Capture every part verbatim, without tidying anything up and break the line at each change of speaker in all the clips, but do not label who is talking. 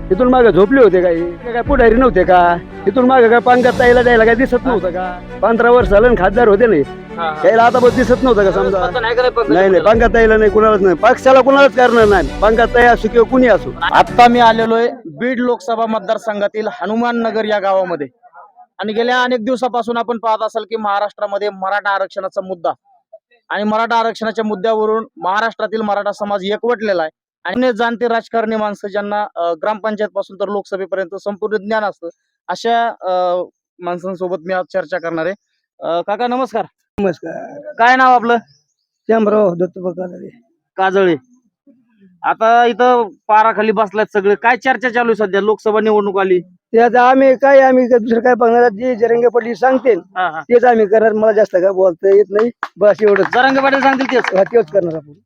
इथून मागे झोपले होते काय हे काय पुढारी नव्हते का? इथून मागे काय पंकज ताईला द्यायला काय दिसत नव्हतं का? पंधरा वर्ष झालं खासदार होते नाही त्याला आता बघ दिसत नव्हतं का? समजा नाही नाही पंकज ताईला नाही, कुणालाच नाही, पक्षाला कुणालाच करणार नाही. पंकज ताई असो किंवा कुणी असो.
आता मी आलेलो आहे बीड लोकसभा मतदारसंघातील हनुमान नगर या गावामध्ये आणि गेल्या अनेक दिवसापासून आपण पाहत असाल की महाराष्ट्रामध्ये मराठा आरक्षणाचा मुद्दा आणि मराठा आरक्षणाच्या मुद्द्यावरून महाराष्ट्रातील मराठा समाज एकवटलेला आहे आणि जाणते राजकारणी माणसं ज्यांना ग्रामपंचायत पासून तर लोकसभेपर्यंत संपूर्ण ज्ञान असतं अशा माणसांसोबत मी आज चर्चा करणार आहे. अं, काका नमस्कार.
नमस्कार.
काय नाव आपलं?
शंभराव दत्तोबा
काजळे. आता इथं पाराखाली बसलात सगळे, काय चर्चा चालू आहे सध्या? लोकसभा निवडणूक आली.
ते आता आम्ही काय आम्ही काय दुसरं काय बघणार, जे जरंगे पाटील सांगतील
हा हा
तेच आम्ही करणार. मला जास्त काय बोलता येत नाही, बस एवढंच.
जरांगे पाटील सांगतील तेच.
हा, तेच करणार आपण.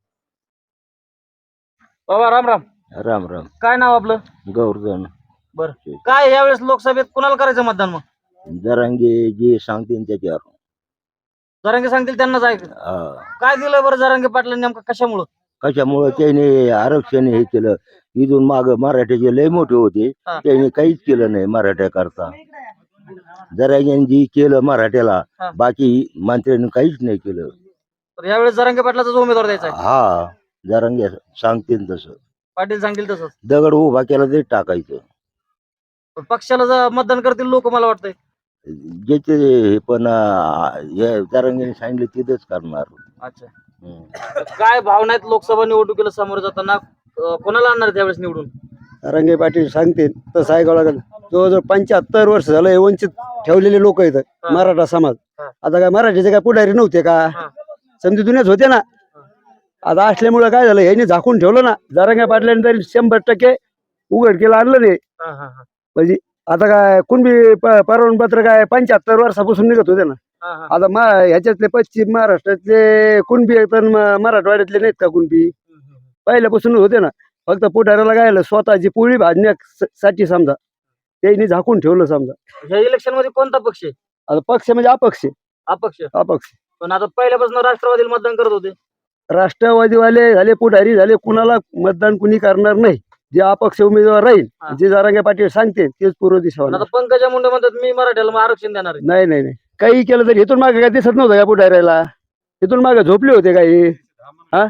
बाबा राम राम.
राम राम.
काय नाव आपलं?
गौरधन.
बर, काय यावेळेस लोकसभेत कुणाला करायचं मतदान? मग
जरांगे जे सांगतील त्याच्यावर.
जरांगे सांगतील त्यांनाच ऐक.
हा.
काय दिलं बरं जरांगे पाटलांनी नेमकं कशामुळं?
कशामुळे त्याने आरक्षण हे केलं. इथून माग मराठ्याचे लय मोठे होते,
हा.
त्याने काहीच केलं नाही मराठ्याकरता. जरांग्याने जी केलं मराठ्याला,
हा.
बाकी मंत्र्यांनी काहीच नाही केलं.
तर यावेळेस जरांगे पाटलाचाच उमेदवार द्यायचा आहे.
हा, जरांगे सांगतील तसं.
पाटील सांगतील तसंच.
दगड उभा केला ते टाकायचं.
पण पक्षाला जर मतदान करतील लोक, मला वाटतंय.
ज्याचे हे पण अं, हे जरांगेने सांगितलं तिथंच करणार.
अच्छा,
हम्म.
काय भावना आहेत लोकसभा निवडणुकीला सामोरं जाताना? अं, कोणाला आणणार त्यावेळेस निवडून?
जरंगे पाटील सांगतील तसं ऐकावं लागेल. जवळजवळ पंच्याहत्तर वर्ष झालं हे वंचित ठेवलेले लोक आहेत
हा.
मराठा समाज.
हा.
आता काय मराठीचे काय पुढारी नव्हते का?
हा.
समजी दुनियाच होते ना. आता असल्यामुळे काय झालं, ह्याने झाकून ठेवलं ना. जरांगे पाटलांनी तरी शंभर टक्के उघड केलं आणलं नाही.
हा, हा, हा.
म्हणजे आता काय कुणबी प- परवानपत्र काय पंच्याहत्तर वर्षापासून निघत होते ना.
हा, हा.
आता मा ह्याच्यातले पश्चिम महाराष्ट्रातले कुणबी पण म- मराठवाड्यातले नाहीत का कुणबी?
हम्म, हम्म.
पहिल्यापासून होते ना. फक्त पुढाऱ्याला काय स्वतःची पोळी भाजण्यासाठी समजा त्यांनी झाकून ठेवलं समजा.
ह्या इलेक्शन मध्ये कोणता पक्ष आहे?
आता पक्ष म्हणजे अपक्ष.
अपक्ष.
अपक्ष
पण आता पहिल्यापासून राष्ट्रवादीला मतदान करत होते.
राष्ट्रवादीवाले झाले, पुढारी झाले, कुणाला मतदान कुणी करणार नाही. जे अपक्ष उमेदवार राहील,
हा.
जे जरांगे पाटील सांगते तेच पूर्व दिशा
पण
होणार.
आता पंकजा मुंडे म्हणतात मी मराठ्याला मग आरक्षण देणार आहे.
नाही नाही नाही, काही केलं तरी इथून मागे काय दिसत नव्हतं का पुढाऱ्याला? इथून मागे झोपले होते काही? हा,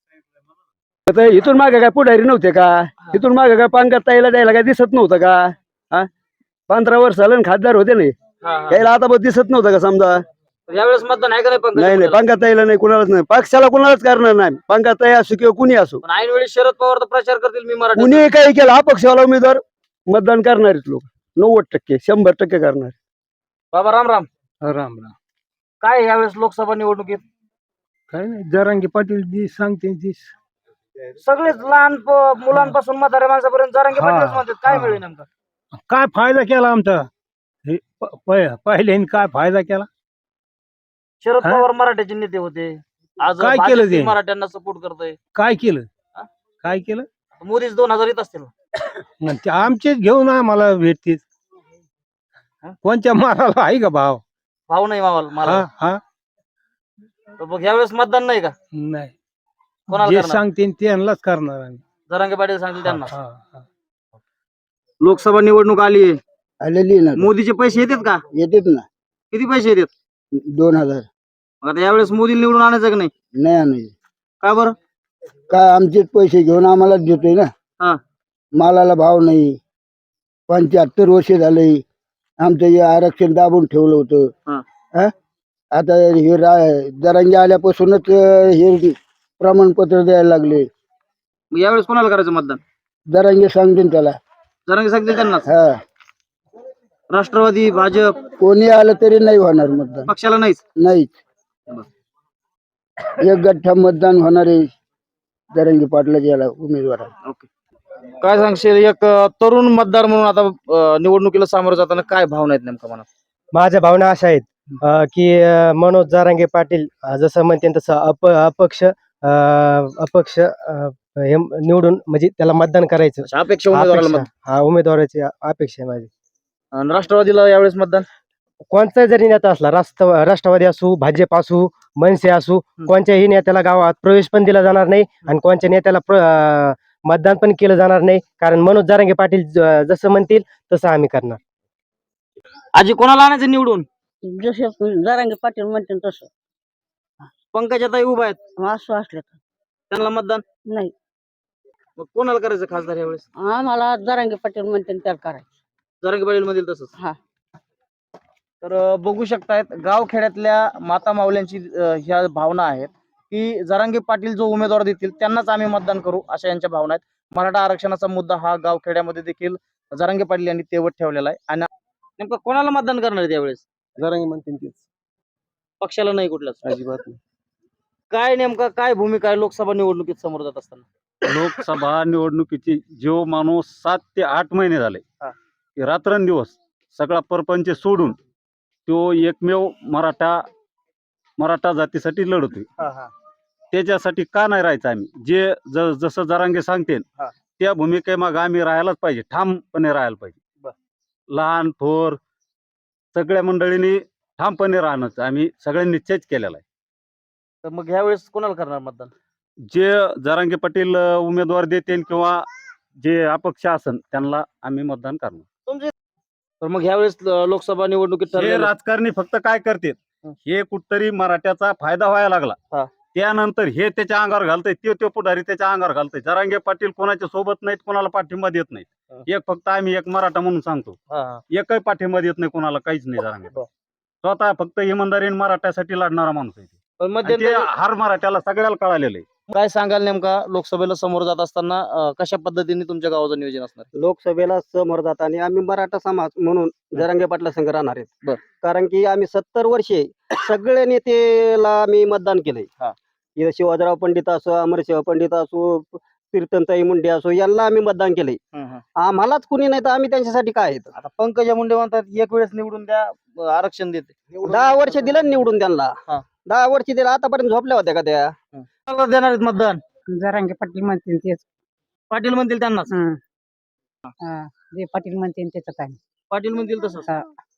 आता इथून मागे काय पुढारी नव्हते का? इथून मागे काय पंकज ताईला द्यायला काय दिसत नव्हतं का? हा, पंधरा वर्ष झालं खासदार होते नाही
हा, हा.
त्याला आता बघ दिसत नव्हतं का? समजा
तर यावेळेस मतदान आहे का नाही पंकजा
नाही नाही,
मुंडेला?
पंकज ताईला नाही, कुणालाच नाही, पक्षाला कुणालाच करणार नाही. पंकज ताई असो किंवा कुणी असो,
पण ऐन वेळी शरद पवार तर प्रचार करतील मी मराठी.
कुणी काही केलं अपक्षाला उमेदवार मतदान करणारेच लोक नव्वद टक्के शंभर टक्के करणार.
बाबा राम राम.
राम राम.
काय यावेळेस लोकसभा निवडणुकीत
काय नाही, जरांगे पाटील जी सांगते ती.
सगळेच लहान प- मुलांपासून म्हाताऱ्या माणसापर्यंत जरांगे
हा,
पाटीलच म्हणतात. काय
हा.
मिळेल नेमका?
काय फायदा केला आमचा? हे प- प- पहिल्याने काय फायदा केला?
शरद
हा?
पवार मराठ्याचे नेते होते, आज
काय
भाजप
केलं
ही
ते?
मराठ्यांना सपोर्ट करतोय.
काय केलं?
हा?
काय केलं?
मोदीच दोन हजार येत असतील.
मग ते आमचेच घेऊन आम्हाला भेटतील.
हा?
कोणत्या माराला आहे का भाव?
भाव नाही मावाला मला.
हा हा,
तर मग यावेळेस मतदान नाही का?
नाही,
कोणाला
जे
करणार?
सांगते त्यांनाच करणार आम्ही.
जरांगे पाटील सांगतील त्यांना.
हा, हा.
लोकसभा निवडणूक आली,
आलेली ना,
मोदीचे पैसे येतात का?
येतेच ना.
किती पैसे येतात?
दोन हजार.
मग आता यावेळेस मोदी निवडून आणायचं का नाही?
नाही आणायचे.
का बरं?
काय आमचेच पैसे घेऊन आम्हालाच देतोय ना.
हा.
मालाला भाव नाही. पंच्याहत्तर वर्ष झाले आमचं हे आरक्षण दाबून ठेवलं होतं.
हा.
हा? आता हे रा- जरांगे आल्यापासूनच अं, हे प्रमाणपत्र द्यायला लागले.
मग यावेळेस कोणाला करायचं मतदान?
जरांगे सांगतील त्याला.
जरांगे सांगतील त्यांनाच.
हा,
राष्ट्रवादी, भाजप
कोणी आलं तरी नाही होणार मतदान.
पक्षाला नाहीच.
नाहीच. एक गठ्ठा मतदान होणार आहे जरांगे पाटलाच्या याला उमेदवार.
ओके, काय सांगशील एक अ, तरुण मतदार म्हणून आता अ, निवडणुकीला सामोरं जाताना काय भावना आहेत नेमका मनात?
माझ्या भावना अशा आहेत अ, की अ, मनोज जरांगे पाटील अ, जसं म्हणते तसं अप अपक्ष अ, अपक्ष अ, हे निवडून म्हणजे त्याला मतदान करायचं.
अशा अपेक्षा उमेदवाराला
अपेक्षा-
मतदान.
हा, उमेदवाराची अपेक्षा आहे माझी.
आणि राष्ट्रवादीला यावेळेस मतदान.
कोणता जरी नेता असला, राष्ट्र राष्ट्रवादी असू, भाजप असू, मनसे असू, कोणत्याही नेत्याला गावात प्रवेश पण दिला जाणार नाही आणि कोणत्या नेत्याला प्र- अ, मतदान पण केलं जाणार नाही, कारण मनोज जरांगे पाटील ज- जसं म्हणतील तसं आम्ही करणार.
आजी कोणाला आणायचं निवडून?
जसे जरांगे पाटील म्हणते तसं
पंकजाताई उभा आहेत,
असं असलं तर
त्यांना मतदान.
नाही.
मग कोणाला करायचं खासदार यावेळेस?
आम्हाला जरांगे पाटील म्हणते त्याला करायचं.
जरांगे पाटील मधील तसंच.
हा.
तर अं, बघू शकतायत गावखेड्यातल्या माता माऊल्यांची अं, ह्या भावना आहेत की जरांगे पाटील जो उमेदवार देतील त्यांनाच आम्ही मतदान करू, अशा यांच्या भावना आहेत. मराठा आरक्षणाचा मुद्दा हा गावखेड्यामध्ये देखील जरांगे पाटील यांनी तेवत ठेवलेला आहे. आणि नेमकं कोणाला मतदान करणार आहे त्यावेळेस?
जरांगे म्हणतील तेच,
पक्षाला नाही कुठलाच?
अजिबात नाही.
काय नेमका काय भूमिका आहे लोकसभा निवडणुकीत समोर जात असताना?
लोकसभा निवडणुकीची जो माणूस सात ते आठ महिने झाले
हा.
की रात्रंदिवस सगळा परपंच सोडून तो एकमेव मराठा मराठा जातीसाठी लढतोय. त्याच्यासाठी का नाही राहायचं आम्ही? जे ज- जसं जरांगे सांगतील
हा.
त्या भूमिकेमाग आम्ही राहायलाच पाहिजे, ठामपणे राहायला पाहिजे.
बर.
लहान थोर सगळ्या मंडळींनी ठामपणे राहणं आम्ही सगळ्यांनी निश्चयच केलेला आहे.
तर मग ह्यावेळेस कोणाला करणार मतदान?
जे जरांगे पाटील अ, उमेदवार देतील किंवा जे अपक्ष असन त्यांना आम्ही मतदान करणार.
तुमचे तर मग ह्यावेळेस अं, लोकसभा निवडणुकीत
हे
ठरलेलं-
राजकारणी फक्त काय करतात,
हं.
हे कुठतरी मराठ्याचा फायदा व्हायला लागला
हा.
त्यानंतर हे त्याच्या अंगावर घालतंय, ते तो पुढारी त्याच्या अंगावर घालतंय. जरांगे पाटील कोणाच्या सोबत नाहीत, कोणाला पाठिंबा देत नाहीत.
हा.
एक फक्त आम्ही एक मराठा म्हणून सांगतो,
हा, हा.
एकही पाठिंबा देत नाही कोणाला, काहीच नाही. जरांगे
बर.
स्वतः फक्त इमानदारीने मराठ्यासाठी लढणारा माणूस आहे ते.
पण
आणि
मध्यंतरी
ते हर मराठ्याला सगळ्याला कळालेलं आहे.
काय सांगाल नेमका लोकसभेला समोर जात असताना अं, कशा पद्धतीने तुमच्या गावाचं नियोजन असणार?
लोकसभेला समोर जात आणि आम्ही मराठा समाज म्हणून जरांगे पाटला संघ राहणार
बर.
आहेत. कारण की आम्ही सत्तर वर्षे सगळ्या नेतेला आम्ही मतदान केलंय.
हा.
इथं शिवाजीराव पंडित असो, अमरशिव पंडित असो, कीर्तनताई मुंडे असो, यांना आम्ही मतदान केलंय. आम्हालाच कुणी नाही तर आम्ही त्यांच्यासाठी काय आहेत?
आता पंकजा मुंडे म्हणतात एक वेळेस निवडून द्या, अं, आरक्षण देते.
दहा वर्ष दिलं ना निवडून त्यांना.
हा.
दहा वर्ष दिलं, आतापर्यंत झोपल्या होत्या का त्या?
कोणाला देणार आहेत मतदान?
जरांगे पाटील म्हणते तेच.
पाटील म्हणतील त्यांनाच.
जे पाटील म्हणते त्याचं काय.
पाटील म्हणतील तसंच.
हा.